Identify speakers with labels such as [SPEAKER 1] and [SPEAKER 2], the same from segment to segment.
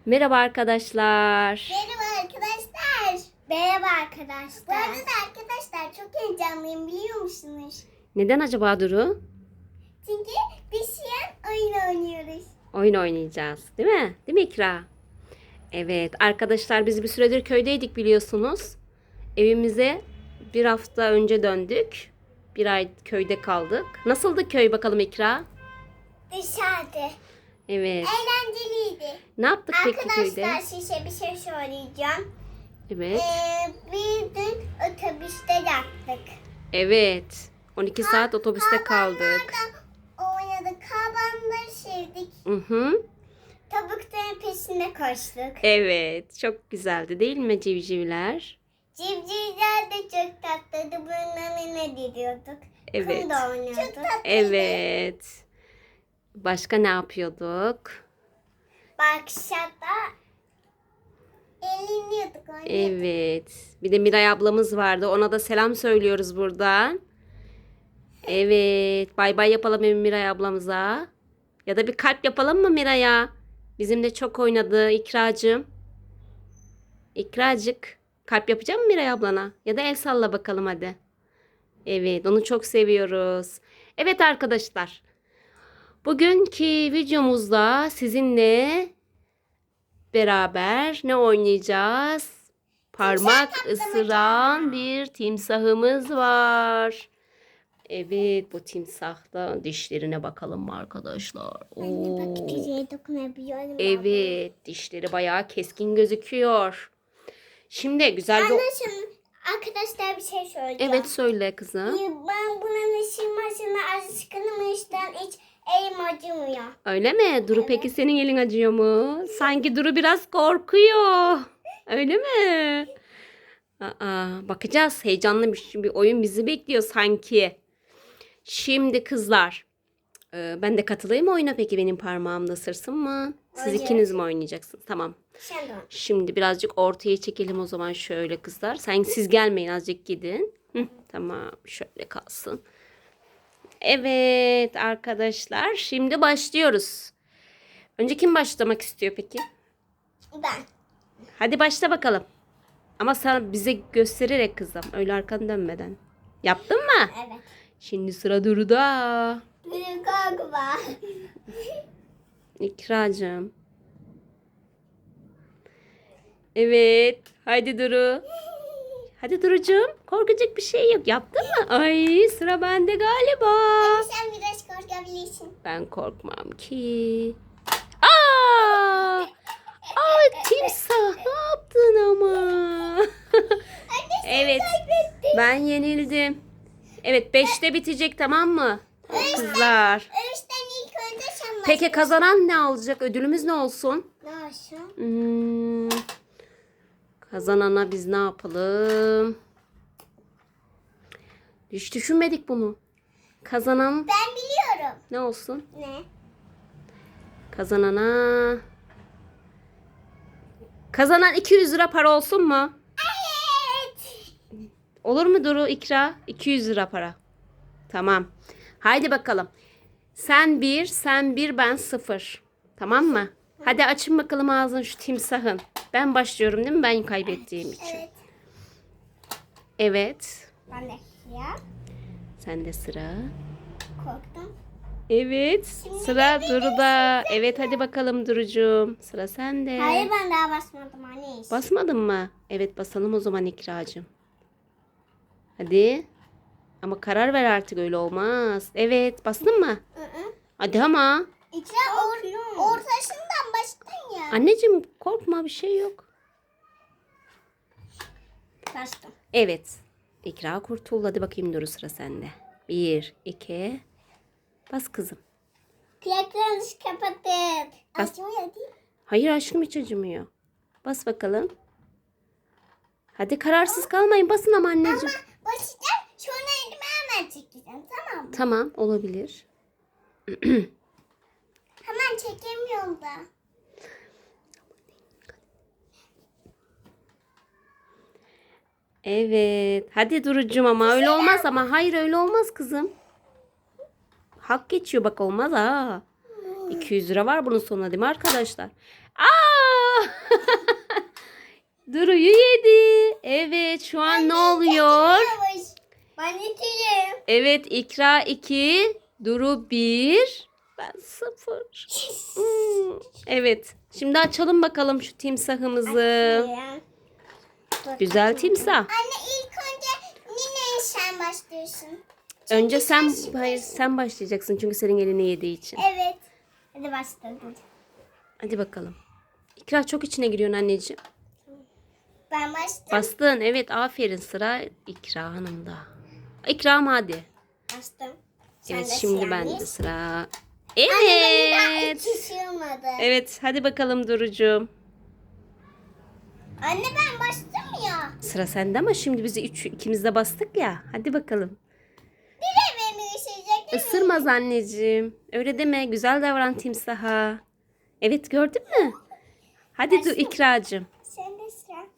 [SPEAKER 1] Merhaba arkadaşlar.
[SPEAKER 2] Merhaba arkadaşlar. Merhaba arkadaşlar. Bu arada arkadaşlar çok heyecanlıyım biliyor musunuz?
[SPEAKER 1] Neden acaba Duru?
[SPEAKER 2] Çünkü biz şu an oyun oynuyoruz.
[SPEAKER 1] Oyun oynayacağız, değil mi? Değil mi İkra? Evet, arkadaşlar biz bir süredir köydeydik biliyorsunuz. Evimize bir hafta önce döndük. Bir ay köyde kaldık. Nasıldı köy bakalım İkra?
[SPEAKER 2] Dışarıda.
[SPEAKER 1] Evet.
[SPEAKER 2] Eğlenceliydi.
[SPEAKER 1] Ne yaptık peki köyde?
[SPEAKER 2] Arkadaşlar size bir şey söyleyeceğim.
[SPEAKER 1] Evet.
[SPEAKER 2] Bir dün otobüste yattık.
[SPEAKER 1] Evet. 12 saat otobüste kaldık.
[SPEAKER 2] Oynadık. Kabanları sevdik.
[SPEAKER 1] Hı.
[SPEAKER 2] Tavukların peşinde koştuk.
[SPEAKER 1] Evet, çok güzeldi değil mi civcivler?
[SPEAKER 2] Civcivler de çok tatlıydı. Bunlarla ne diyorduk?
[SPEAKER 1] Evet.
[SPEAKER 2] Kum da oynuyorduk. Çok tatlıydı.
[SPEAKER 1] Evet. Başka ne yapıyorduk?
[SPEAKER 2] Bakşata eğleniyorduk. Oynuyorduk.
[SPEAKER 1] Evet. Bir de Miray ablamız vardı. Ona da selam söylüyoruz buradan. Evet. Bay bay yapalım Miray ablamıza. Ya da bir kalp yapalım mı Miray'a? Bizimle çok oynadı İkracığım. İkracık. Kalp yapacak mı Miray ablana? Ya da el salla bakalım hadi. Evet. Onu çok seviyoruz. Evet arkadaşlar. Bugünkü videomuzda sizinle beraber ne oynayacağız? Parmak ısıran bir timsahımız var. Evet, bu timsahta dişlerine bakalım arkadaşlar.
[SPEAKER 2] Anne bak
[SPEAKER 1] Oo.
[SPEAKER 2] güzel dokunabiliyorum.
[SPEAKER 1] Evet, dişleri bayağı keskin gözüküyor. Şimdi güzel bir...
[SPEAKER 2] Anne şimdi arkadaşlar bir şey söyleyeceğim.
[SPEAKER 1] Evet söyle kızım.
[SPEAKER 2] Ben bunun ışınmasına alışkınım işten hiç elim acımıyor.
[SPEAKER 1] Öyle mi? Duru peki senin elin acıyor mu? Sanki Duru biraz korkuyor. Öyle mi? Bakacağız. Heyecanlı bir oyun bizi bekliyor sanki. Şimdi kızlar. Ben de katılayım oyuna peki benim parmağımda ısırsın mı? Siz
[SPEAKER 2] Hayır.
[SPEAKER 1] ikiniz mi oynayacaksınız? Tamam.
[SPEAKER 2] Sen de.
[SPEAKER 1] Şimdi birazcık ortaya çekelim o zaman şöyle kızlar. Siz gelmeyin azıcık gidin. Tamam şöyle kalsın. Evet arkadaşlar şimdi başlıyoruz. Önce kim başlamak istiyor peki?
[SPEAKER 2] Ben.
[SPEAKER 1] Hadi başla bakalım. Ama sen bize göstererek kızım. Öyle arkanı dönmeden. Yaptın mı?
[SPEAKER 2] Evet.
[SPEAKER 1] Şimdi sıra Duru'da.
[SPEAKER 2] Bir korkma.
[SPEAKER 1] İkracığım. Evet. Haydi Duru. Hadi Duru'cum. Korkacak bir şey yok. Yaptın mı? Ay sıra bende galiba.
[SPEAKER 2] Sen biraz korkabilirsin.
[SPEAKER 1] Ben korkmam ki. Aa! Aa timsah ne yaptın ama? Evet. Ben yenildim. Evet 5'te bitecek tamam mı? Kızlar.
[SPEAKER 2] Öğüşten ilk önce sen
[SPEAKER 1] Peki kazanan ne alacak? Ödülümüz ne olsun?
[SPEAKER 2] Nasıl?
[SPEAKER 1] Kazanana biz ne yapalım? Hiç düşünmedik bunu. Kazanan
[SPEAKER 2] Ben biliyorum.
[SPEAKER 1] ne olsun?
[SPEAKER 2] Ne?
[SPEAKER 1] Kazanan 200 lira para olsun mu?
[SPEAKER 2] Evet.
[SPEAKER 1] Olur mu Duru İkra? 200 lira para. Tamam. Haydi bakalım. Sen bir, ben 0. Tamam mı? Hadi açın bakalım ağzını şu timsahın. Ben başlıyorum değil mi? Ben kaybettiğim için.
[SPEAKER 2] Evet.
[SPEAKER 1] Evet.
[SPEAKER 2] Ben de ya.
[SPEAKER 1] Sende sıra.
[SPEAKER 2] Korktum.
[SPEAKER 1] Evet. Sıra Duru'da. Evet hadi bakalım Duru'cum. Sıra sende.
[SPEAKER 2] Hayır ben daha basmadım anne.
[SPEAKER 1] Basmadın mı? Evet basalım o zaman İkracığım. Hadi. Ama karar ver artık öyle olmaz. Evet bastın mı? Hadi ama.
[SPEAKER 2] İkra ortasından bastın ya.
[SPEAKER 1] Anneciğim korkma bir şey yok.
[SPEAKER 2] Bastım.
[SPEAKER 1] Evet. İkra kurtul. Hadi bakayım Duru sıra sende. 1, 2. Bas kızım.
[SPEAKER 2] Kulaklarınızı kapatın.
[SPEAKER 1] Bas.
[SPEAKER 2] Acımıyor değil mi?
[SPEAKER 1] Hayır aşkım hiç acımıyor. Bas bakalım. Hadi kararsız kalmayın. Basın ama anneciğim.
[SPEAKER 2] Ama basacağım sonra elimi hemen çekeceğim tamam mı?
[SPEAKER 1] Tamam olabilir.
[SPEAKER 2] Hemen çekemiyorum da.
[SPEAKER 1] Evet. Hadi Duru'cum ama öyle olmaz ama. Hayır öyle olmaz kızım. Hak geçiyor bak olmaz ha. 200 lira var bunun sonuna değil mi arkadaşlar? Aa! Duru'yu yedi. Evet, şu an ne oluyor?
[SPEAKER 2] Ben itireyim.
[SPEAKER 1] Evet, İkra 2, Duru 1, ben 0. Evet, şimdi açalım bakalım şu timsahımızı. Güzel timsah.
[SPEAKER 2] Anne ilk önce yine sen başlıyorsun.
[SPEAKER 1] Önce sen başlayacaksın çünkü senin elini yediği için.
[SPEAKER 2] Evet. Hadi başladım.
[SPEAKER 1] Hadi bakalım. İkra çok içine giriyorsun anneciğim.
[SPEAKER 2] Ben başladım.
[SPEAKER 1] Bastın, evet, aferin, sıra İkra Hanım'da. İkram hadi.
[SPEAKER 2] Bastım.
[SPEAKER 1] Evet,
[SPEAKER 2] Sen de
[SPEAKER 1] şimdi
[SPEAKER 2] sıra
[SPEAKER 1] bende
[SPEAKER 2] mıyız?
[SPEAKER 1] sıra.
[SPEAKER 2] Anne benim daha
[SPEAKER 1] Evet.
[SPEAKER 2] hiç ısırmadı.
[SPEAKER 1] Evet, hadi bakalım Duru'cum.
[SPEAKER 2] Anne ben bastım ya.
[SPEAKER 1] Sıra sende ama şimdi bizi ikimiz de bastık ya. Hadi bakalım.
[SPEAKER 2] Bir de beni ısıracak değil mi?
[SPEAKER 1] Isırmaz anneciğim. Öyle deme. Güzel davran timsaha. Evet, gördün mü? Hadi İkracığım.
[SPEAKER 2] Sen de sıra.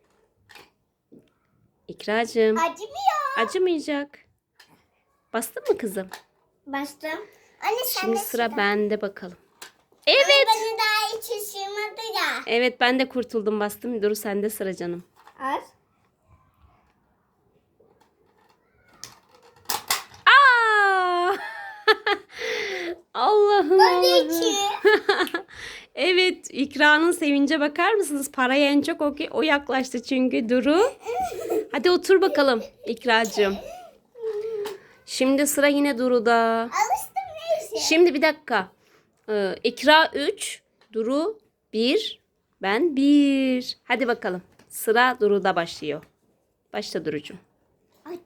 [SPEAKER 1] İkracığım.
[SPEAKER 2] Acımıyor.
[SPEAKER 1] Acımayacak. Bastın mı kızım?
[SPEAKER 2] Bastım. Anne sen
[SPEAKER 1] Şimdi
[SPEAKER 2] de
[SPEAKER 1] sıra bende bakalım. Evet.
[SPEAKER 2] Anne beni daha hiç ısırmadı ya.
[SPEAKER 1] Evet, ben de kurtuldum, bastım. Dur, sende sıra canım.
[SPEAKER 2] Az.
[SPEAKER 1] Aa! Allah'ım.
[SPEAKER 2] Ben de iki.
[SPEAKER 1] Evet, İkra'nın sevince bakar mısınız? Paraya en çok o yaklaştı çünkü Duru. Hadi otur bakalım İkracığım. Şimdi sıra yine Duru'da.
[SPEAKER 2] Alıştım neyse.
[SPEAKER 1] Şimdi bir dakika. İkra 3, Duru 1, ben 1. Hadi bakalım. Sıra Duru'da başlıyor. Başla Duru'cum.
[SPEAKER 2] Ay.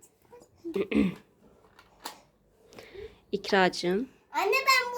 [SPEAKER 1] İkracığım.
[SPEAKER 2] Anne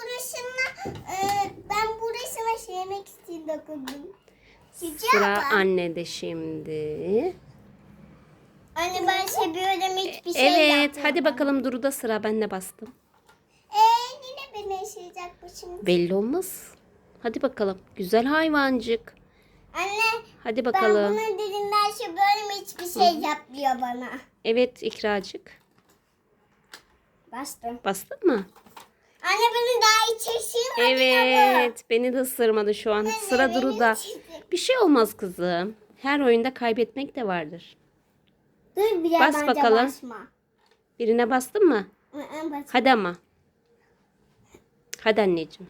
[SPEAKER 2] ben burasına şey yemek için dokundum.
[SPEAKER 1] Sıra annede şimdi.
[SPEAKER 2] Anne ben seviyorum hiçbir şey
[SPEAKER 1] Evet,
[SPEAKER 2] yapmıyorum.
[SPEAKER 1] hadi bakalım Duru'da sıra. Ben de bastım.
[SPEAKER 2] Yine beni yaşayacak bu şimdi.
[SPEAKER 1] Belli olmaz. Hadi bakalım. Güzel hayvancık.
[SPEAKER 2] Anne
[SPEAKER 1] Hadi
[SPEAKER 2] ben
[SPEAKER 1] bakalım.
[SPEAKER 2] bunun dilinden seviyorum hiçbir şey yapmıyor bana.
[SPEAKER 1] Evet İkracık.
[SPEAKER 2] Bastım.
[SPEAKER 1] Bastın mı?
[SPEAKER 2] Anne beni daha hiç ısırmadı ya bu.
[SPEAKER 1] Evet. Beni de ısırmadı şu an. Sıra
[SPEAKER 2] beni
[SPEAKER 1] Duru'da.
[SPEAKER 2] ısırdı.
[SPEAKER 1] Bir şey olmaz kızım. Her oyunda kaybetmek de vardır.
[SPEAKER 2] Dur biraz
[SPEAKER 1] Bas
[SPEAKER 2] bence
[SPEAKER 1] bakalım.
[SPEAKER 2] basma.
[SPEAKER 1] Birine bastın mı?
[SPEAKER 2] Basma.
[SPEAKER 1] Hadi ama. Hadi anneciğim.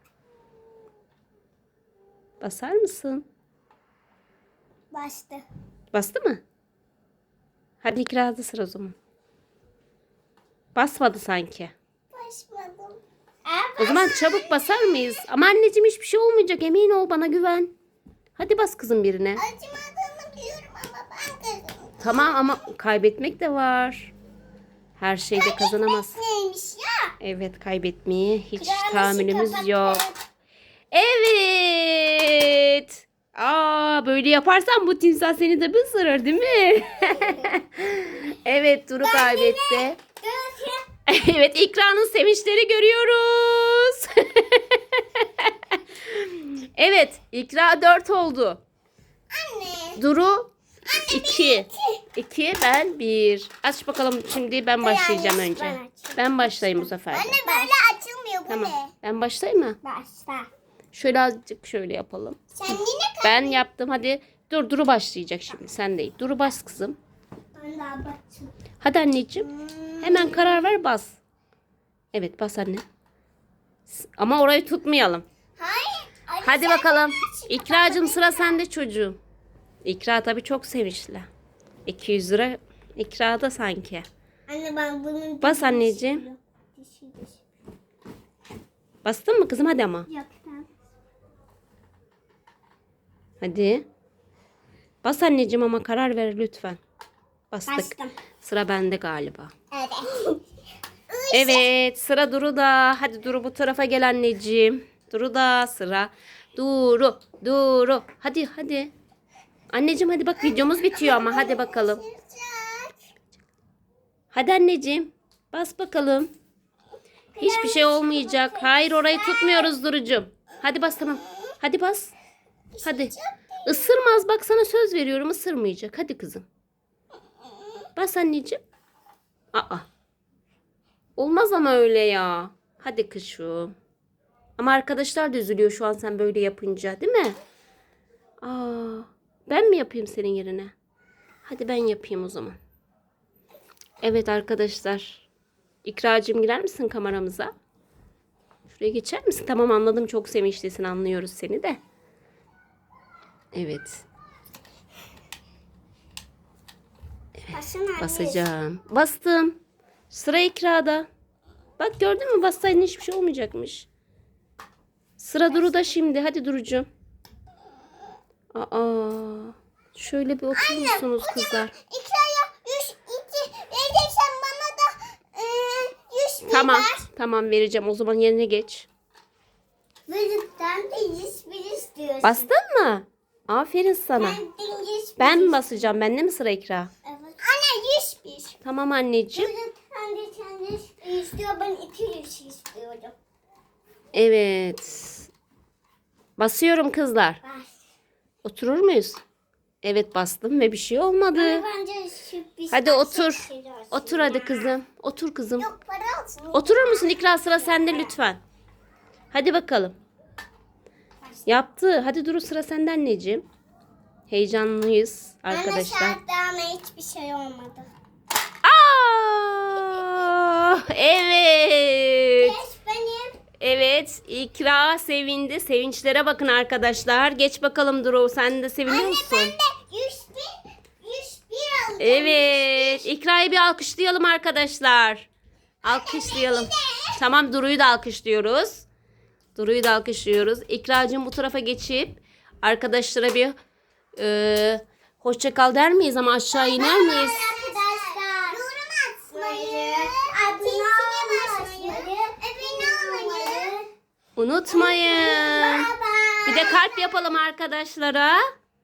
[SPEAKER 1] Basar mısın?
[SPEAKER 2] Bastı.
[SPEAKER 1] Bastı mı? Hadi İkra'da sıra o zaman. Basmadı sanki.
[SPEAKER 2] Basmadım.
[SPEAKER 1] O zaman çabuk basar mıyız? Ama anneciğim hiçbir şey olmayacak. Emin ol, bana güven. Hadi bas kızım birine.
[SPEAKER 2] Acımadığını biliyorum ama ben kazandım.
[SPEAKER 1] Tamam ama kaybetmek de var. Her şeyde kazanamaz.
[SPEAKER 2] Neymiş ya?
[SPEAKER 1] Evet, kaybetmeye hiç
[SPEAKER 2] Kırmızı
[SPEAKER 1] tahammülümüz
[SPEAKER 2] kapak
[SPEAKER 1] yok.
[SPEAKER 2] kağıt.
[SPEAKER 1] Evet. Böyle yaparsan bu timsah seni de bir ısırır değil mi? Evet, Duru kaybetti.
[SPEAKER 2] Dur.
[SPEAKER 1] Evet, İkra'nın sevinçleri görüyoruz. Evet, İkra 4 oldu.
[SPEAKER 2] Anne.
[SPEAKER 1] Duru 2. 2, ben 1. Aç bakalım, şimdi ben başlayacağım
[SPEAKER 2] ben
[SPEAKER 1] önce.
[SPEAKER 2] açayım.
[SPEAKER 1] Ben başlayayım bu sefer. de.
[SPEAKER 2] Anne böyle açılmıyor bu
[SPEAKER 1] Tamam.
[SPEAKER 2] ne?
[SPEAKER 1] Ben başlayayım mı?
[SPEAKER 2] Başla.
[SPEAKER 1] Şöyle azıcık şöyle yapalım.
[SPEAKER 2] Sen yine
[SPEAKER 1] Ben yaptım, hadi. Dur, Duru başlayacak şimdi. Sen değil. Duru bas kızım.
[SPEAKER 2] Ben daha bakayım.
[SPEAKER 1] Hadi anneciğim. Hemen karar ver, bas. Evet, bas anne. Ama orayı tutmayalım.
[SPEAKER 2] Hayır. Anne,
[SPEAKER 1] Hadi
[SPEAKER 2] sen
[SPEAKER 1] bakalım.
[SPEAKER 2] yine çık.
[SPEAKER 1] İkracığım, sıra sende çocuğum. İkra tabii çok sevinçli. 200 lira İkra'da sanki.
[SPEAKER 2] Anne ben bunun
[SPEAKER 1] Bas anneciğim. Bastın mı kızım? Hadi ama.
[SPEAKER 2] Yaptım.
[SPEAKER 1] Hadi. Bas anneciğim ama karar ver lütfen. Bastık.
[SPEAKER 2] Bastım.
[SPEAKER 1] Sıra bende galiba.
[SPEAKER 2] Evet.
[SPEAKER 1] Evet, sıra Duru'da. Hadi Duru, bu tarafa gel anneciğim. Duru'da sıra. Duru. Hadi. Anneciğim hadi bak, videomuz bitiyor ama hadi bakalım. Hadi anneciğim. Bas bakalım. Hiçbir şey olmayacak. Hayır, orayı tutmuyoruz Duru'cum. Hadi bas, tamam. Hadi bas. Hadi. Isırmaz, bak sana söz veriyorum, ısırmayacak. Hadi kızım. Bas anneciğim. Olmaz ama öyle ya. Hadi kuşum. Ama arkadaşlar da üzülüyor şu an sen böyle yapınca, değil mi? Aa, ben mi yapayım senin yerine? Hadi ben yapayım o zaman. Evet arkadaşlar. İkracığım girer misin kameramıza? Şuraya geçer misin? Tamam anladım. Çok sevinçlisin. Anlıyoruz seni de. Evet. Basacağım. Bastım. Sıra İkra'da. Bak gördün mü? Bassaydın hiçbir şey olmayacakmış. Sıra Duru'da şimdi. Hadi Duru'cum. Aa, şöyle bir oturur musunuz kızlar?
[SPEAKER 2] İkra'ya 102 vereceksen bana da 101
[SPEAKER 1] Tamam.
[SPEAKER 2] ver.
[SPEAKER 1] Tamam vereceğim. O zaman yerine geç.
[SPEAKER 2] Verirsen de 101 istiyorsun.
[SPEAKER 1] Bastın mı? Aferin sana.
[SPEAKER 2] Ben de 101.
[SPEAKER 1] Ben mi basacağım? Bende mi sıra İkra?
[SPEAKER 2] Evet. Anne 101.
[SPEAKER 1] Tamam anneciğim.
[SPEAKER 2] Sen de 101 istiyor. Ben 200 istiyorum.
[SPEAKER 1] Evet. Basıyorum kızlar.
[SPEAKER 2] Ver.
[SPEAKER 1] Oturur muyuz? Evet bastım ve bir şey olmadı.
[SPEAKER 2] Ama bence sürpriz.
[SPEAKER 1] Hadi otur.
[SPEAKER 2] Şey olsun.
[SPEAKER 1] Otur hadi kızım. Otur kızım.
[SPEAKER 2] Yok para olsun.
[SPEAKER 1] Oturur musun İkra, sıra sende lütfen. Hadi bakalım. Yaptı. Hadi Duru, sıra sende anneciğim. Heyecanlıyız arkadaşlar.
[SPEAKER 2] Anne ama hiçbir şey olmadı.
[SPEAKER 1] Evet.
[SPEAKER 2] Geç benim.
[SPEAKER 1] Evet. İkra sevindi. Sevinçlere bakın arkadaşlar. Geç bakalım Duru. Sen de seviniyor musun?
[SPEAKER 2] Ben de 101 alacağım.
[SPEAKER 1] Evet. İkra'yı bir alkışlayalım arkadaşlar. Alkışlayalım. Tamam, Duru'yu da alkışlıyoruz. Duru'yu da alkışlıyoruz. İkracığım bu tarafa geçip arkadaşlara bir hoşça kal der miyiz, ama aşağı iner miyiz?
[SPEAKER 2] Arkadaşlar. Yorum atmayı. Abone olmayı. Abone olmayı.
[SPEAKER 1] Unutmayın.
[SPEAKER 2] Bye
[SPEAKER 1] Bir de kalp yapalım arkadaşlara.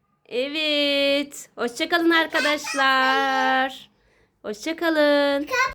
[SPEAKER 1] Evet. Hoşça kalın arkadaşlar. Hoşça kalın.